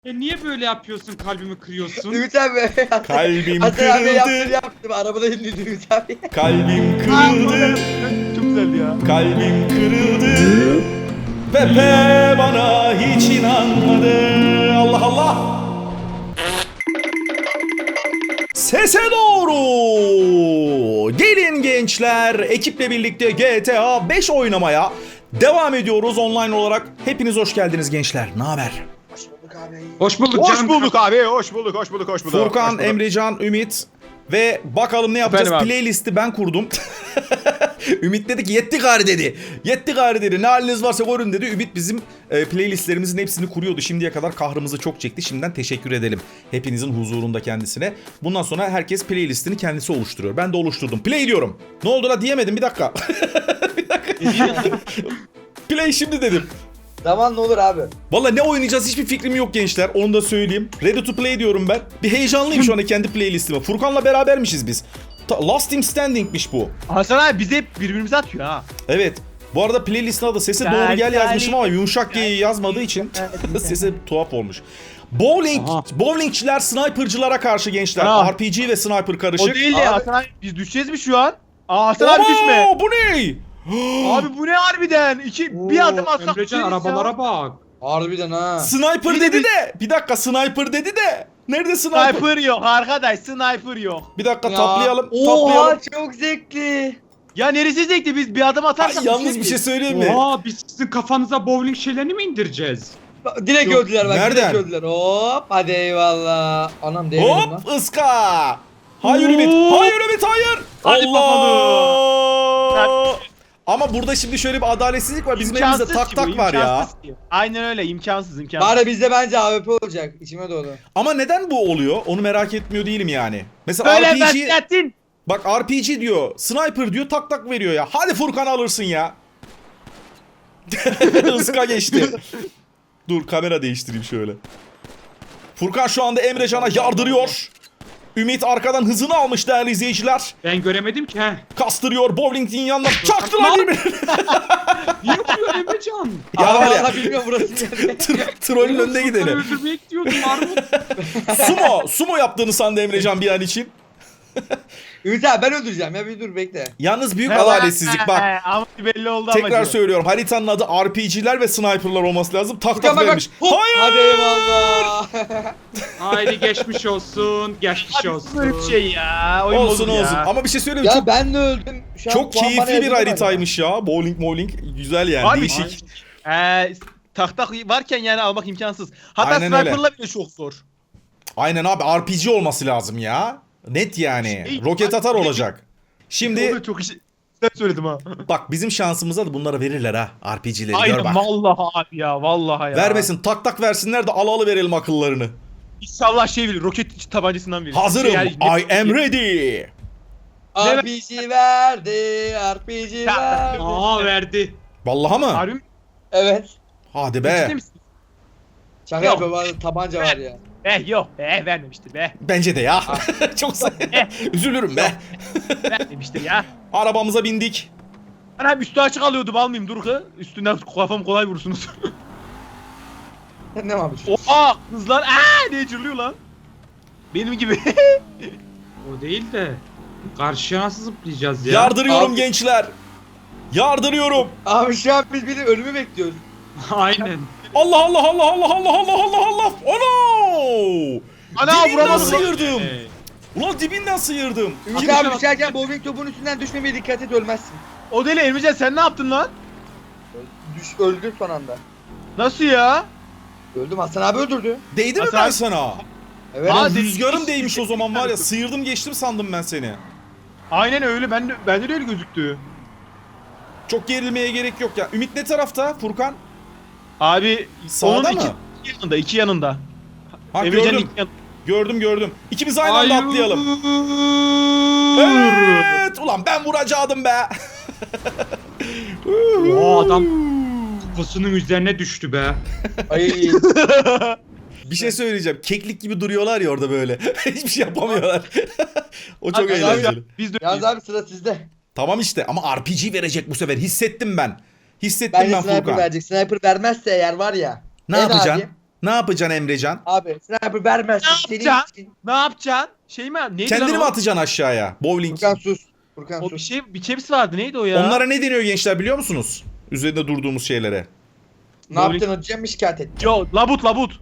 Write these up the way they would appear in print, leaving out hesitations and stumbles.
Niye böyle yapıyorsun, kalbimi kırıyorsun? Ümit abi. Kalbim Hasan abi kırıldı. yaptım. Arabada indirdi Ümit abi. Kalbim kırıldı. Çok güzeldi ya. Kalbim kırıldı. Pepe bana hiç inanmadı. Allah Allah. Sese doğru. Gelin gençler, ekiple birlikte GTA 5 oynamaya devam ediyoruz online olarak. Hepiniz hoş geldiniz gençler. Ne haber? Hoş bulduk abi. Hoş bulduk Hoş canım. bulduk abi. Hoş bulduk. Hoş bulduk. Hoş bulduk. Furkan, hoş bulduk. Emrecan, Ümit ve bakalım ne yapacağız? Efendim abi? Playlisti ben kurdum. Ümit dedi ki yetti gari dedi. Yetti gari dedi. Ne haliniz varsa görün dedi. Ümit bizim playlistlerimizin hepsini kuruyordu. Şimdiye kadar kahrımızı çok çekti. Şimdiden teşekkür edelim. Hepinizin huzurunda kendisine. Bundan sonra herkes playlistini kendisi oluşturuyor. Ben de oluşturdum. Play diyorum. Ne oldu la diyemedim bir dakika. Bir dakika. Play şimdi dedim. Zaman ne olur abi. Valla ne oynayacağız hiçbir fikrim yok gençler. Onu da söyleyeyim. Ready to play diyorum ben. Bir heyecanlıyım şu anda kendi playlistime. Furkan'la berabermişiz biz. Last Team Standing'miş bu. Hasan abi bizi hep birbirimize atıyor ha. Evet. Bu arada playlistin adı Sese Doğru Gel yazmışım ama yumuşak G'yi yazmadığı için sesi tuhaf olmuş. Bowlingçiler snipercılara karşı gençler. Ha. RPG ve sniper O karışık. değil de Abi- Hasan abi biz düşeceğiz mi şu an? Aa Hasan abi düşme. Bu ne? Abi bu ne harbiden? Bir adım atsak Emrecan düşeriz ya. arabalara bak. Harbiden ha. Sniper Bir de dedi de. Bir dakika sniper dedi de. Nerede sniper? Sniper yok arkadaş, sniper yok. Bir dakika Ya. taplayalım. Oha çok zevkli. Ya neresi zevkli, biz bir adım Ay, atarsak yalnız bir şey söyleyeyim mi? Oha, biz sizin kafanıza bowling şeylerini mi indireceğiz? Direkt Yok, öldüler bak. nereden? Direkt öldüler. Hop hadi eyvallah. Anam değmedim lan. Hop ıska. Hayır Ümit. Oo. Hayır Ümit hayır. Hadi Allah. Ama burada şimdi şöyle bir adaletsizlik var. Bizim elimizde İmkansız tak ki tak bu, var ya. imkansız ki. Aynen öyle, imkansız. Bari bizde bence AWP olacak. İçime doğdu. Ama neden bu oluyor? Onu merak etmiyor değilim yani. Mesela Böyle RPG beklettin. bak RPG diyor, sniper diyor, tak tak veriyor ya. Hadi Furkan alırsın ya. Iska geçti. Dur kamera değiştireyim şöyle. Furkan şu anda Emrecan'a yardırıyor. Ümit arkadan hızını almış değerli izleyiciler. Ben göremedim ki he. Kastırıyor bowling'in yanına. Çaktılar birbirine. Niye vuruyor Emrecan? Ya var ya. Allah bilmiyorum burası. Trollün önüne Furkan'ı gidelim. öldürmeye gidiyordum Armut. Sumo yaptığını sandı Emrecan bir an için. Ümit abi ben öldüreceğim ya bir dur bekle. Yalnız büyük adaletsizlik bak. Ama belli oldu Tekrar amacı. söylüyorum. Haritanın adı RPG'ler ve sniper'lar olması lazım. Tak Furkan tak bak bak. vermiş. Hop, Hayır. hadi eyvallah. Haydi geçmiş olsun. Geçmiş Abi olsun. böyle bir şey ya. Oyun Olsun bozuldu olsun. ya. Ama bir şey söyleyeyim mi? Ya Çok, ben de öldüm. Şu an çok puan bana keyifli bir yazıldı haritaymış ya. Bowling. Güzel yani. Abi, Değişik. Tak tak varken yani almak imkansız. Hatta Aynen öyle. sniper'la bile çok zor. Aynen abi. RPG olması lazım ya. Net yani. Şey, Roket atar abi, olacak. Şimdi Onu çok güzel söyledim ha. bak bizim şansımıza da bunları verirler ha. RPG'leri gör Aynen bak. vallahi abi ya vallahi ya. Vermesin. Tak tak versinler de al verelim akıllarını. İnşallah şey bilir, roket tabancasından bilir. Hazırım. Yani- I am ready. RPG verdi. RPG Ya, verdi. Aa verdi. Vallahi mı? Harbi mi? Evet. Hadi Ciddi be. misin? Şaka Yok. yapıyorum. Tabanca var ya. Yok vermemiştir be. Bence de ya. Çok üzülürüm be. Vermemiştir ya. Arabamıza bindik. Ben hem üstü açık alıyordum, almayayım dur ki. Üstünden kafam kolay vurursunuz. Ne abi? Oha hızlar ne cırlıyor lan. Benim gibi. O değil de. Karşıya nasıl zıplayacağız ya? Yardırıyorum Abi- gençler. Yardırıyorum. Abi şu an biz bir de ölümü bekliyoruz. Aynen. Allah Allah Allah Allah Allah Allah Allah Allah. Ono! Ana Dibinden vuramadım. sıyırdım. Ulan dibinden sıyırdım. Ümit abi düşerken bowling topunun üstünden düşmemeye dikkat et ölmezsin. O deli Emrecan, sen ne yaptın lan? Öldüm son anda. Nasıl ya? Öldüm Hasan abi öldürdü. Değdi mi Hasan- ben sana? Evet. Aa, Lan değdi. rüzgarım değmiş o zaman var ya. Sıyırdım geçtim sandım ben seni. Aynen öyle, bende de öyle gözüktü. Çok gerilmeye gerek yok ya. Ümit ne tarafta Furkan? Abi Sağda onun mı? iki yanında. Ha Emrecan'ın gördüm. iki yanında. Gördüm. İkimiz aynı anda atlayalım. Evet. Ulan ben vuracaktım be. O adam kafasının üzerine düştü be. Ay. Bir şey söyleyeceğim. Keklik gibi duruyorlar ya orada böyle. Hiçbir şey yapamıyorlar. O çok Abi, eğlenceli. Biz de Yalnız abi sıra sizde. Tamam işte ama RPG verecek bu sefer. Hissettim ben. Hissettim Bence ben sniper Furkan. verecek. Sniper vermezse eğer var ya. Ne en yapacaksın? adi, Ne yapacaksın Emrecan? Abi sniper vermezsin. Ne Senin yapacaksın? için. Ne yapacaksın? Şey mi? Neydi Kendini lan mi o? atacaksın aşağıya? Bowling. Furkan sus. Furkan O sus. bir çepsi vardı. Neydi o ya? Onlara ne deniyor gençler biliyor musunuz? Üzerinde durduğumuz şeylere. Ne yaptın hocam, şikayet et. Yo labut.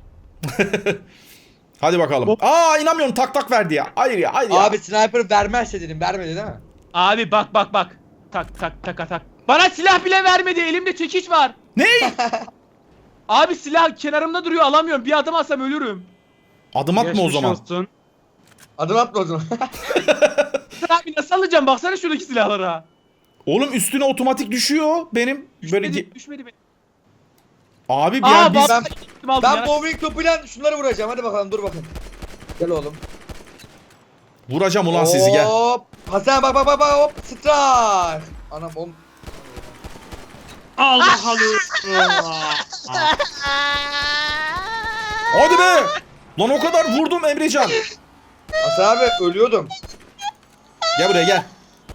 Hadi bakalım. Aa inanmıyorum tak tak verdi ya. Hayır ya hayır ya. Abi sniper vermezse dedim, vermedi değil mi? Abi bak. Tak. Bana silah bile vermedi. Elimde çekiç var. Ne? Abi silah kenarımda duruyor, alamıyorum. Bir adım atsam ölürüm. Adım atma o Geçmiş zaman. olsun. Adım atma o zaman. Sen abi nasıl alacağım? Baksana şuradaki silahlara. Oğlum üstüne otomatik düşüyor benim. Böyle Düşmedi benim. abi Aa biz ben Ben bowling topuyla şunları vuracağım, hadi bakalım, dur bakın. Gel oğlum. vuracağım ulan sizi gel. Hop. Hasan bak hop. Strike. Anam oğlum. Allah Allah. Hadi be. Lan o kadar vurdum Emrecan. Hasan abi ölüyordum. Gel buraya gel.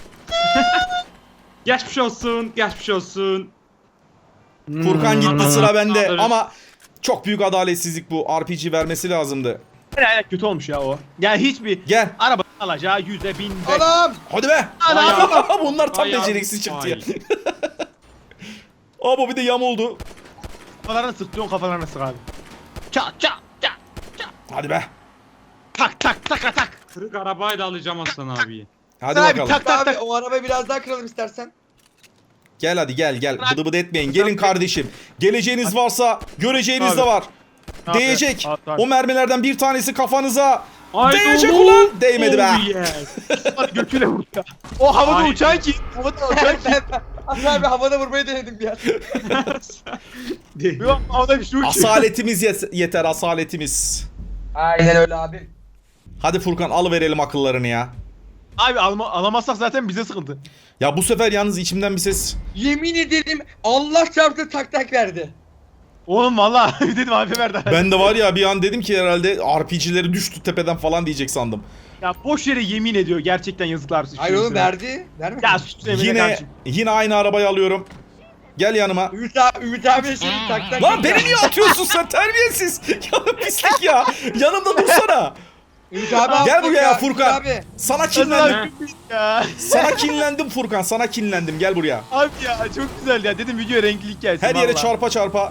Geçmiş olsun. Geçmiş olsun. Furkan gitti sıra bende alırız. ama çok büyük adaletsizlik bu. RPG vermesi lazımdı. Evet, kötü olmuş ya o. Yani hiçbir Gel. araba alacağı 100'e 1000'e. Anam. Hadi be. Adam. Bunlar tam Ay, beceriksiz çıktı ya. ay. Aa bu bir de yam oldu. Kafalarını sık diyorsun, kafalarını sık abi. Çat. Hadi be. Tak. Kırık arabayla alacağım Hasan abiyi. Hadi Abi, bakalım. tak. Abi o arabayı biraz daha kıralım istersen. Gel hadi gel. Bıdı bıdı etmeyin. Gelin kardeşim. Geleceğiniz varsa göreceğiniz Abi. de var. Abi, Değecek. abi. O mermilerden bir tanesi kafanıza. Haydi Değecek oğlum. ulan. Değmedi be. Oh yes. Götüyle vurdu ya. O havada Ay. uçan ki. Havada uçan ki. Hasan abi havada vurmayı denedim bir an. Değil. Bir bak, havada bir şey uçuyor. Asaletimiz yeter asaletimiz. Aynen öyle abi. Hadi Furkan alıverelim akıllarını ya. Abi alamazsak zaten bize sıkıntı. Ya bu sefer yalnız içimden bir ses. Yemin ederim Allah çarptı, tak verdi. Oğlum valla dedim abi verdi. Ben de var ya bir an dedim ki herhalde RPG'leri düştü tepeden falan diyecek sandım. Ya boş yere yemin ediyor, gerçekten yazıklar olsun. Hayır oğlum, Şurasına. verdi. Vermedi. Ya sus Emre Yine kardeşim. yine aynı arabayı alıyorum. Gel yanıma. Ümit abi şimdi tak. Lan beni niye atıyorsun sen terbiyesiz? Ya pislik ya. Yanımda dursana. Ümit abi Gel aldık buraya ya, Furkan. Ümit abi. Sana Hasan kinlendim. abi ya. Sana kinlendim Furkan. Sana kinlendim. Gel buraya. Abi ya çok güzel ya. Dedim videoya renklilik gelsin. Her yere vallahi. çarpa çarpa.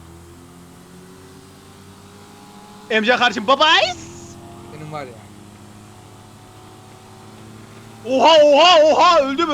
Emre kardeşim bye bye. Benim var ya. Oha öldüm.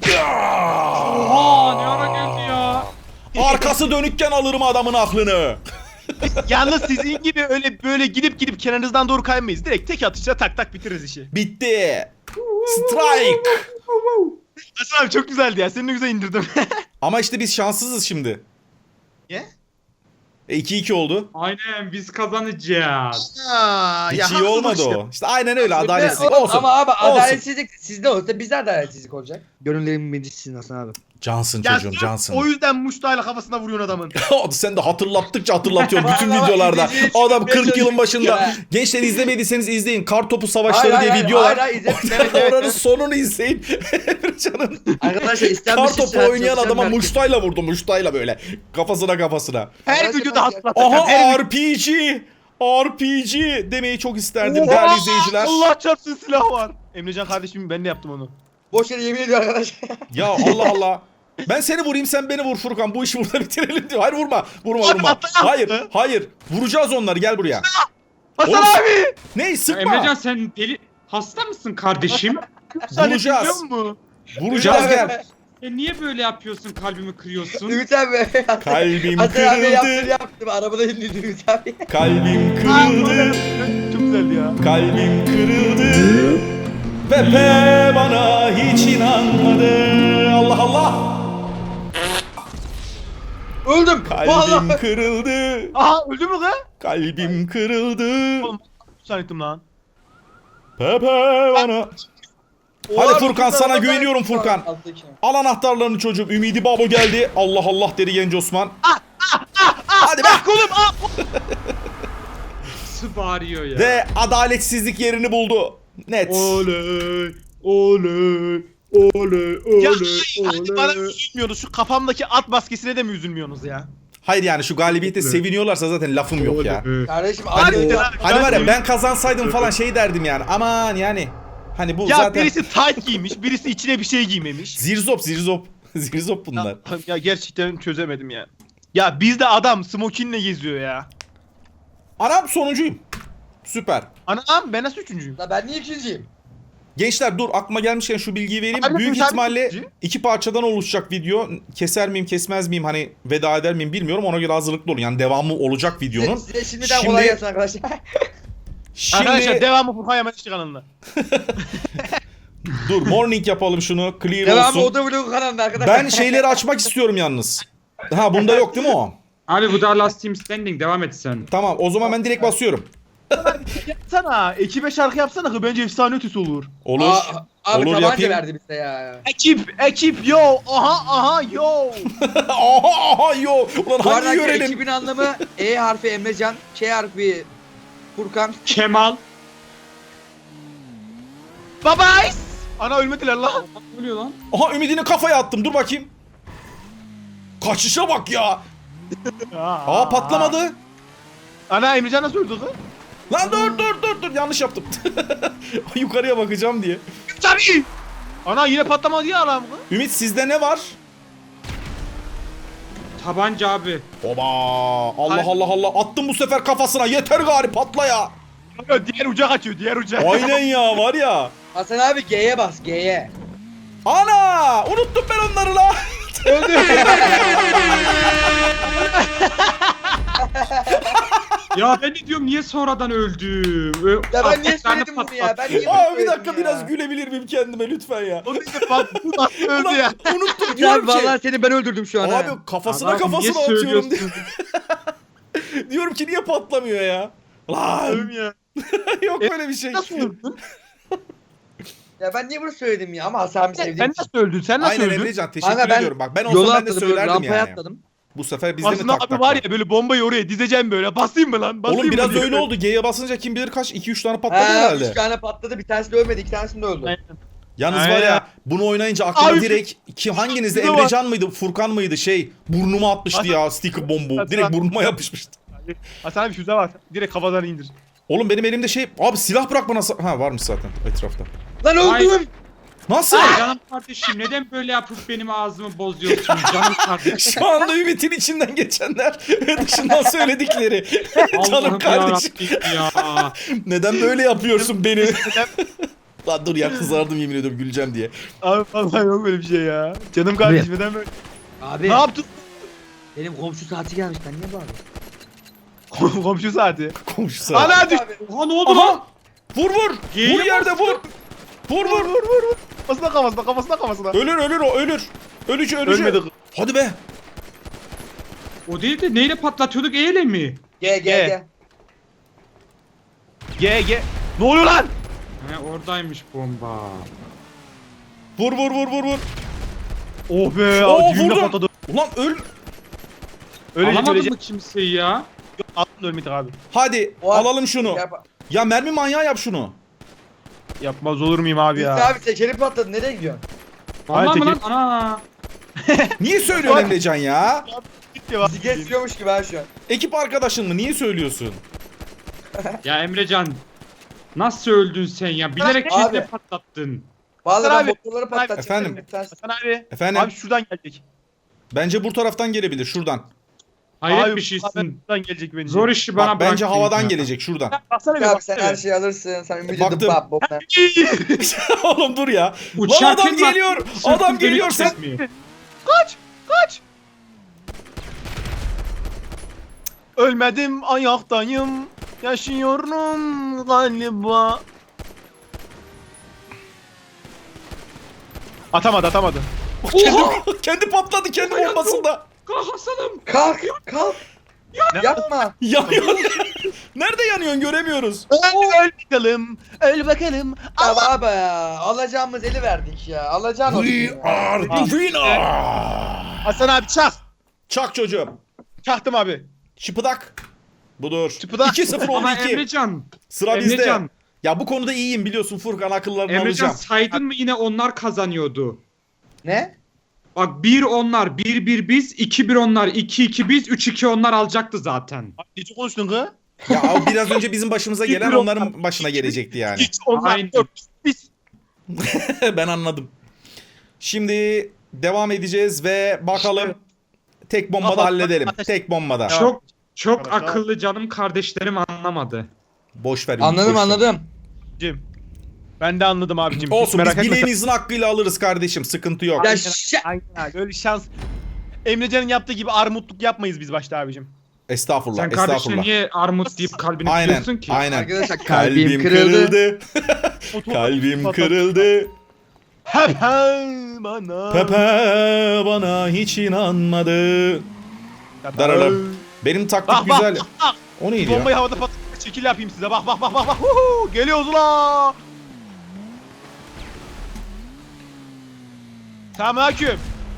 Oha ne ara geldi ya. Arkası dönükken alırım adamın aklını. Yalnız sizin gibi öyle böyle gidip kenarınızdan doğru kaymayız. Direkt tek atışla tak bitiririz işi. Bitti. Strike. Hasan abi çok güzeldi ya. Seni ne güzel indirdim. Ama işte biz şanssızız şimdi. Niye? 2-2 oldu. Aynen biz kazanacağız. Hiç iyi olmadı o. İşte aynen öyle adaletsizlik Ama- olsun. Ama abi Olsun. adaletsizlik sizde olsa bizde adaletsizlik olacak. Gönüllerimin birincisisin Hasan abi. Cansın Ya çocuğum sırf cansın. o yüzden muştayla kafasına vuruyorsun adamın. Sen de hatırlattıkça hatırlatıyorsun bütün Vallahi videolarda. izleyiciyi Adam çıkmaya 40 yılın başında. çalışıyor Gençler izlemediyseniz izleyin. Kartopu Savaşları diye video var. Hayır izledim. Oranın sonunu izleyin. Emrecan'ın Arkadaşlar istenmiş kartopu oynayan adama muştayla vurdu. Muştayla böyle. Kafasına. Her Arkadaşlar, videoda hatırlatacağım. Aha Her RPG demeyi çok isterdim değerli izleyiciler. Allah çarpsın silah var. Emrecan kardeşim ben de yaptım onu. Boş yere yemin ediyor arkadaş. Ya Allah. Ben seni vurayım sen beni vur Furkan. Bu işi burada bitirelim diyor. Hayır vurma. Vurma. Atla. Hayır. Vuracağız onları gel buraya. Hasan Oğlum, abi! Ne Ya sıkma. Emrecan sen deli hasta mısın kardeşim? Vuracağız. Mu? Vuracağız Ümit abi- gel. Niye böyle yapıyorsun kalbimi kırıyorsun? Ümit abi. Kalbim Hasan abi kırıldı. yaptım. Arabada indirdi Ümit abi. Kalbim kırıldı. Çok güzeldi ya. Kalbim kırıldı. Pepe bana hiç inanmadı. Allah. Öldüm. Kalbim Vallahi. kırıldı. Aha öldü mü kız? Kalbim kırıldı. Oğlum zannettim lan. Pepe bana. Hadi Furkan sana güveniyorum Furkan. Al anahtarlarını çocuğum. Ümidi Babo geldi. Allah dedi genç Osman. Hadi be. Kolum Nasıl bağırıyor ya? Ve adaletsizlik yerini buldu. Net. Oley. Ya hadi bana üzülmüyorsunuz. Şu kafamdaki at maskesine de mi üzülmüyorsunuz ya? Hayır yani şu galibiyete seviniyorlarsa zaten lafım yok ya. Kardeşim Hadi hadi. lan. Hani var ya ben kazansaydım falan şey derdim yani. Aman yani. Hani bu Ya zaten birisi tight giymiş, birisi içine bir şey giymemiş. zirzop. Zirzop bunlar. Ya gerçekten çözemedim ya. Ya bizde adam smokinle geziyor ya. Anam sonuncuyum. Süper. Anam ben nasıl üçüncüyüm? La ben niye ikinciyim? Gençler dur aklıma gelmişken şu bilgiyi vereyim. Abi, Büyük sen ihtimalle birinci. 2 parçadan oluşacak video. Keser miyim kesmez miyim hani veda eder miyim bilmiyorum. Ona göre hazırlıklı olun. Yani devamı olacak videonun. Size şimdiden kolay gelsin arkadaşlar. Arkadaşlar Şimdi devamı Furkan Yamaççı kanalında. dur morning yapalım şunu. Clear Devamı olsun. Oda Vlog kanalında arkadaşlar. Ben şeyleri açmak istiyorum yalnız. Ha bunda yok değil mi o? Abi bu da Last Team Standing, devam et sen. Tamam o zaman ben direkt basıyorum. Yapsana, ekibe şarkı yapsana ki bence efsane ötesi olur. Olur. Abi Olur tabanca yapayım. verdi bize ya. Ekip yo, aha yo. Aha yo. Ulan Bu hangi arada görelim? ekibin anlamı E harfi Emrecan, Ç harfi Furkan. Kemal. Bye bye. Ana ölmediler lan. Ne oluyor lan? Aha ümidini kafaya attım dur bakayım. Kaçışa bak ya. Aa patlamadı. Ana Emrecan nasıl öldü kız? Lan dur yanlış yaptım. Yukarıya bakacağım diye. Tabii. Ana yine patlamadı ya adam kız. Ümit sizde ne var? Tabanca abi. Oba Allah attım bu sefer kafasına yeter gari patla ya. Diğer uca kaçıyor, diğer uca. Aynen ya var ya. Hasan abi G'ye bas G'ye. Ana unuttum ben onları la. Ya ben de diyorum niye sonradan öldüm? Ya ben niye Bir tane söyledim bunu ya? Ben niye patlattım. bunu Abi bir dakika söyledim ya? biraz gülebilir miyim kendime lütfen ya. O işte patladı, nasıl öldü Ulan ya? unuttum Ya diyorum ki. vallahi seni ben öldürdüm şu an ha. Abi kafasına Adam niye atıyorum diye. söylüyorsun? Diyorum ki niye patlamıyor ya? Lan Ölüm ya. yok böyle bir şey. Nasıl öldün? Ya ben niye bunu söyledim ya? Ama Hasan abi sevdiğim Sen için. nasıl öldün? Sen nasıl Aynen öldün? Emrecan teşekkür Kanka ben ediyorum. Bak ben Yola olsam ben de atladım böyle söylerdim rampaya yani. atladım. Bu sefer bizde mi Aslında tak abi tak var tak? ya böyle bombayı oraya dizeceğim böyle. Basayım mı lan? Basayım Oğlum mı biraz diye. öyle oldu. G'ye basınca kim bilir kaç 2-3 tane patladı Ha, herhalde. 3 tane patladı. Bir tanesi de ölmedi. 2 tanesi de öldü. Aynen. Yalnız Aynen. var ya bunu oynayınca aklıma Abi, direkt kim hanginizde şurada var. Emrecan mıydı Furkan mıydı şey burnuma atmıştı ya sticker bombu. Hasan- Direkt burnuma yapışmıştı. Hasan abi füze var. Direkt kafadan indir. Oğlum benim elimde şey abi silah bırak bana ha varmış zaten etrafta. Lan öldüm. Nasıl? Canım kardeşim neden böyle yapıp benim ağzımı bozuyorsun canım kardeşim? Şu anda Ümit'in içinden geçenler ve dışından söyledikleri. Canım Allah'ım kardeşim. yarabbim ya. Neden böyle yapıyorsun beni? Lan dur ya kızardım yemin ediyorum güleceğim diye. Abi vallahi yok böyle bir şey ya. Canım kardeşim neden böyle? Abi Ne yaptın? benim komşu saati gelmiş. Ben niye bağırıyorum? Komşu saati. Komşusu. Ana düş. Abi. Oha ne oldu lan? Aha! Vur vur! G'ye Vur yerde vur! Vur! Kafasına. Ölür o ölür. Ölücü. Ölmedi. Hadi be. O değil de neyle patlatıyorduk eyle mi? G G G. G. Ne oluyor lan? He oradaymış bomba. Vur. Oh be. Oo, Düğümle vurdum. patladı. Ulan öl. Ölecek Alamadın ölecek. mı kimseyi ya? Aslında ölmedik abi. Hadi O- alalım şunu. Yap. Ya mermi manyağı yap şunu. Yapmaz olur muyum abi Biz ya? abi tekeri patladı. Nereye gidiyorsun? Vallahi mı lan? tekin. Ana. Niye söylüyorsun Emrecan ya? Gitti bak. Bizi geçiyormuş gibi ha şu an. Ekip arkadaşın mı? Niye söylüyorsun? Ya Emrecan. Nasıl öldün sen ya? Bilerek Abi. kendine patlattın. Vallahi Hasan ben abi. motorları patlatacağım. Efendim? Bir tanesi- Hasan abi. Efendim? Abi şuradan gelecek. Bence bu taraftan gelebilir şuradan. Hayret Abi, bir şeysin. Şuradan gelecek bence. Zor işi bana Bak, bence bıraktın havadan ya. gelecek şuradan. Baksana bir Abi sen baksana her bir. şeyi alırsın. Sen ümidi Baktım. dıbap boktan. Oğlum dur ya. Lan Uçarken adam bak, geliyor. sırtın Adam geliyor dönük sen. kesmiyor. Kaç. Ölmedim ayaktayım. Yaşıyorum galiba. Atamadı. Kendi patladı kendi bombasında. Kalk Hasan'ım. Kalk. Yapma. Yanıyor. Nerede yanıyorsun göremiyoruz. Öl bakalım. Ya abi ya. Alacağımız eli verdik ya. Alacağın olsun We ya. are the winner. Hasan abi çak. Çak çocuğum. Çaktım abi. Şıpıdak. Budur. Şıpıdak. 2-0 oldu Ama 2. Emrecan. Sıra bizde. Emrecan. Ya bu konuda iyiyim biliyorsun Furkan akıllarını Emrecan alacağım. saydın mı yine onlar kazanıyordu. Ne? Bak 1 onlar, 1-1 biz, 2-1 onlar, 2-2 biz, 3-2 onlar alacaktı zaten. Ne konuştun kız? Ya o biraz önce bizim başımıza gelen Bir onların başına gelecekti yani. Hiç onlar Aynen. yok. Biz. Ben anladım. Şimdi devam edeceğiz ve bakalım tek bombada Kapat, halledelim. ateş. Tek bombada. Tamam. Çok Arkadaşlar. akıllı canım kardeşlerim anlamadı. Boş ver. Anladım boş ver. anladım. Abicim. Ben de anladım abicim. Hiç Olsun biz merak etme. bileğinizin hakkıyla alırız kardeşim. Sıkıntı yok. Ya Aynen abi. Öyle şans. Emrecan'ın yaptığı gibi armutluk yapmayız biz başta abicim. Estağfurullah. Sen kardeşine Estağfurullah. niye armut deyip kalbini Aynen. kırıyorsun ki? Aynen. Arkadaşlar kalbim kırıldı. Kalbim kırıldı. Hep bana. Pepe bana hiç inanmadı. Dararım. Benim taktik Bak bak güzel. bak. O neydi ya? Bombayı havada patlatma şekil yapayım size. Bak bak bak bak. Bak. Huhu, geliyoruz ula. Selamünaleyküm.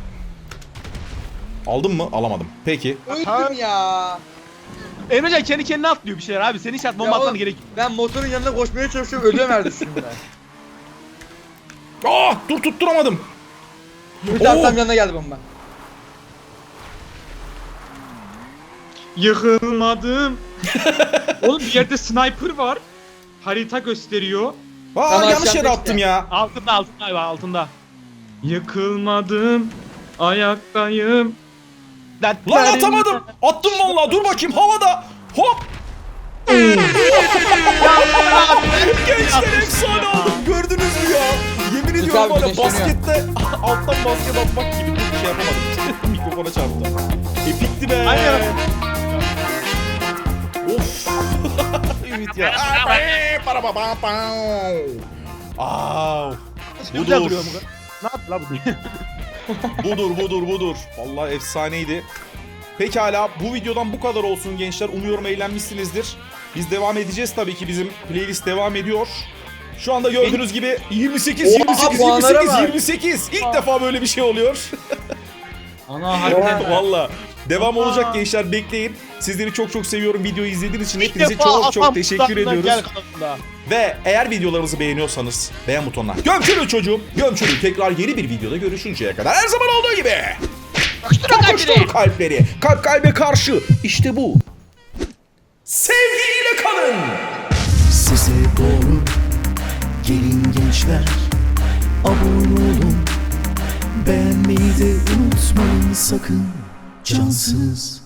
Aldın mı? Alamadım. Peki. Öldüm ya. Emrecan kendi kendine atlıyor bir şeyler abi. Senin hiç bomba Ya atman oğlum, gerek. Ben motorun yanına koşmaya çalışıyorum. Ölüyorum neredesin ben. Dur tutturamadım. Bir tane tam yanına geldi bomba. Yıkılmadım. Oğlum bir yerde sniper var. Harita gösteriyor. Tamam, Yanlış aşağıda yere işte. attım ya. Altında abi altında. Yıkılmadım. Ayaktayım. Lan atamadım. Attım vallahi. Dur bakayım havada. Hop. Gençler efsane oldum. Gördünüz mü ya? Yemin ediyorum abi, var ya güneşleniyor. baskette alttan basket atmak gibi bir şey yapamadım. Mikrofona çarptı. Epikti be. Aynen. Of. Ümit ya. Aa. Güzel Budur. duruyor bu. Ne yaptı la bu? Budur. Vallahi efsaneydi. Pekala bu videodan bu kadar olsun gençler. Umuyorum eğlenmişsinizdir. Biz devam edeceğiz tabii ki bizim playlist devam ediyor. Şu anda gördüğünüz gibi 28. puanlara bak. İlk defa böyle bir şey oluyor. Ana harbiden. Valla. Devam olacak gençler bekleyin. Sizleri çok çok seviyorum. Videoyu izlediğiniz için İlk hepinize defa çok atam çok teşekkür tutakla ediyoruz. gel kanalımda. Ve eğer videolarımızı beğeniyorsanız beğen butonuna gömçürün çocuğum. Gömçürün. Tekrar yeni bir videoda görüşünceye kadar her zaman olduğu gibi. Kokuştur kalpleri. Kalp kalbe karşı. İşte bu. Sevgiyle kalın. Size doğru gelin gençler, abone olun, beğenmeyi de unutmayın sakın, cansız.